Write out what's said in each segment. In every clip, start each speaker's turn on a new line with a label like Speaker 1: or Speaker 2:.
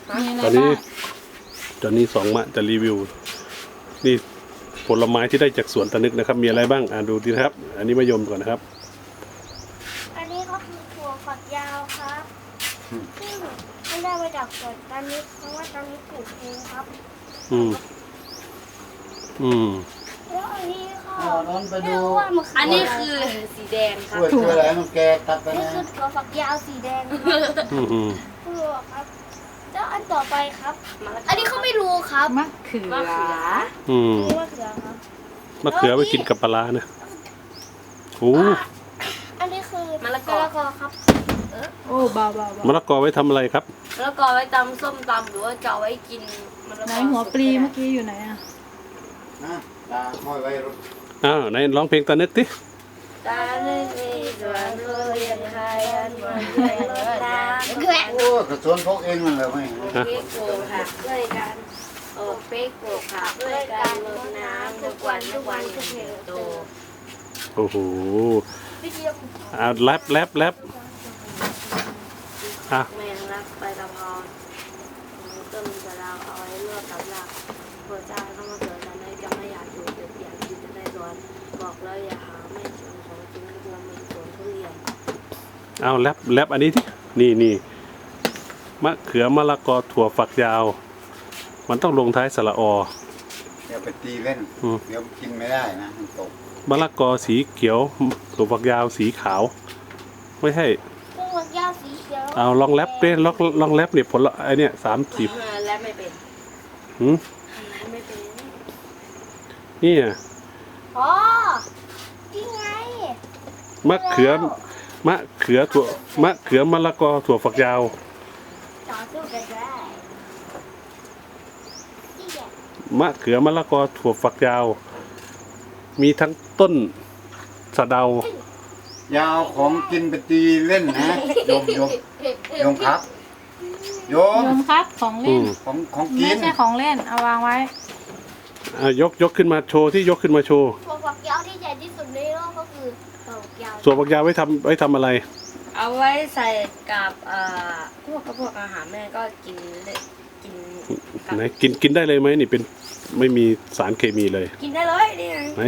Speaker 1: ตอนนี้สองมะจะรีวิวนี่ผลไม้ที่ได้จากสวนตานึกนะครับมีอะไรบ้างดูดีนะครับอันนี้มะยมก่อนนะครับ
Speaker 2: อันนี้ก็คือถั่วฝักยาวครับซึ่งไม่ได้มาจากสวนตานึกเพราะว่าตานึกปลูกเองครับแล้วอันนี้ค่ะไม่รู้ว่ามันคือ
Speaker 3: อันนี้คือสีแดงครับ
Speaker 4: คืออะไรมันแกตัดไป
Speaker 2: นี่
Speaker 4: นะ
Speaker 2: คือถั่วฝักยาวสีแดงครับถั่วครับแล้วอันต่อไปครับ อันนี้เขาไม่รู้ครับ
Speaker 5: มะเขือ
Speaker 2: นี่มะเขือครับ
Speaker 1: มะเขือไปกินกับปลาร้านะโอ้
Speaker 2: อันนี้คือมะละกอครับ
Speaker 5: โอ้เบา
Speaker 1: มะละกอไว้ทำอะไรครับ
Speaker 3: แล้วก็ไว้ตำส้มตำหรือว่าจะเอาไว้กินมะละกอ
Speaker 5: ไหนหัวปลีเมื่อกี้อยู่ไหนอ่ะ
Speaker 4: นะตาห้อยไว้รถ
Speaker 1: ไหนร้องเพลงตานึกดิ
Speaker 3: ตาเล่นมีสวนทุเรียนไทยอันมันเรียนรถน้ำ
Speaker 4: โอ้กระสวนพกเองมันเลยไม่
Speaker 3: เป๊กโกผักด้วยกันเป๊กโกผักด้วยกันรดน้ำทุกวันทุกเติบโต
Speaker 1: โอ้โห
Speaker 2: วิธีขุด
Speaker 1: แรป
Speaker 3: แมงลักใบตะพอนต้นสะเดาเอาไว้ลวกกับลาบพระเจ้าเข้ามาเกิดตอนนี้จะไม่อยากอยู่เด็กอยากกินจะได้ร้อนบอกแล้วอย่าหาไม่ชวนของจริงกลัวมีสวนทุเรียน
Speaker 1: แรปอันนี้ที่นี่มะเขือมะละกอถั่วฝักยาวมันต้องลงท้ายสระอ
Speaker 4: เดี๋ยวไปตีเล่นเดี๋ยวกินไม่ได้นะมันตก
Speaker 1: มะละกอสีเขียวถั่วฝักยาวสีขาวไม่ใช่
Speaker 2: ถั่วฝักยาวสีเขียว
Speaker 1: ลองแรปดิลองแรปเนี่ยผลไอเนี่ย30
Speaker 3: และไม่เป็น ไม่เป็น
Speaker 1: นี่
Speaker 2: อ๋อนี่ไง
Speaker 1: มะเขือมะเขือมะละกอถั่วฝักยาว
Speaker 2: ต่อสู้กันได้นี่แหละ
Speaker 1: มะเขือมะละกอถั่วฝักยาว มีทั้งต้นสะเดาย
Speaker 4: าวของกินไปตีเล่นนะโยมครับโย
Speaker 5: โย
Speaker 4: ม
Speaker 5: มครับของเล่น
Speaker 4: ของกิ
Speaker 5: ไม่
Speaker 4: น
Speaker 5: ใช่ของเล่นเอาวางไว้
Speaker 1: ยกขึ้นมาโชว์ที่ยกขึ้นมาโชว์
Speaker 2: ถั่วฝักยาวที่ใหญ่ที่สุดในโลกก็คือถั่วฝักยาว
Speaker 1: ถั่วฝักยาวไว้ทำอะไร
Speaker 3: เอาไว้ใส่กับพวกอาหารแม่ก็กินกับ
Speaker 1: ไหนกินได้เลยไหมนี่เป็นไม่มีสารเคมีเลย
Speaker 3: กินได้เลยนี่ไง
Speaker 1: ไหน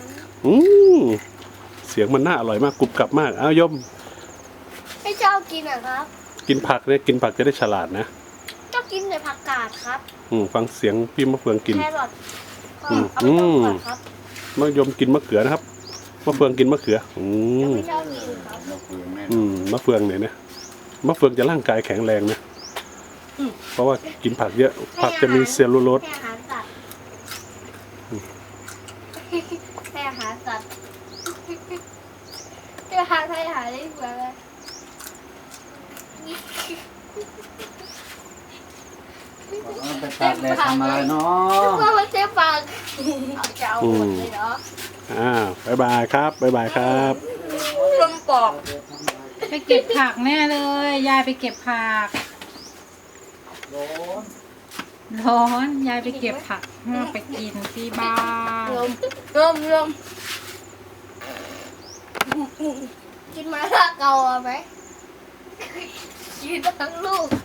Speaker 1: เสียงมันน่าอร่อยมากกรุบกรับมากยม
Speaker 2: ไม่ชอบกินอะครับ
Speaker 1: กินผักเนี่ยกินผักจะได้ฉลาดนะ
Speaker 2: ชอบกินแต่ผักกาดครับ
Speaker 1: ฟังเสียงพี่มะเฟืองกิน
Speaker 2: แครอทก็เอาไปต้มก่อนครับ
Speaker 1: มะยมกินมะเขือนะครับมะเฟืองกินมะเขือ
Speaker 2: ไม่ชอบกินครับ
Speaker 4: เราเปลืองแน่
Speaker 1: มะเฟืองเนี่ยนะมะเฟืองจะร่างกายแข็งแรงนะเพราะว่ากินผักเยอะผักจะมีเซลลูโลส
Speaker 2: ให้อาหารสัตว์ให้อาหารสัตว์ให้อาหารได้เหมือนเลย
Speaker 4: ไปตากแดดทำอะไรเนาะ
Speaker 2: ว่ามันใช่ฟังเอาจะเอาหมดเลยเนาะ
Speaker 1: บ๊ายบายครับบ๊ายบายครับ
Speaker 3: ลมปอก
Speaker 5: ไปเก็บผักแน่เลยยายไปเก็บผักร้อนยายไปเก็บผักไปกินที่บ้าน
Speaker 3: ลม
Speaker 2: กินมาละเกาไหมกินทั้งลูก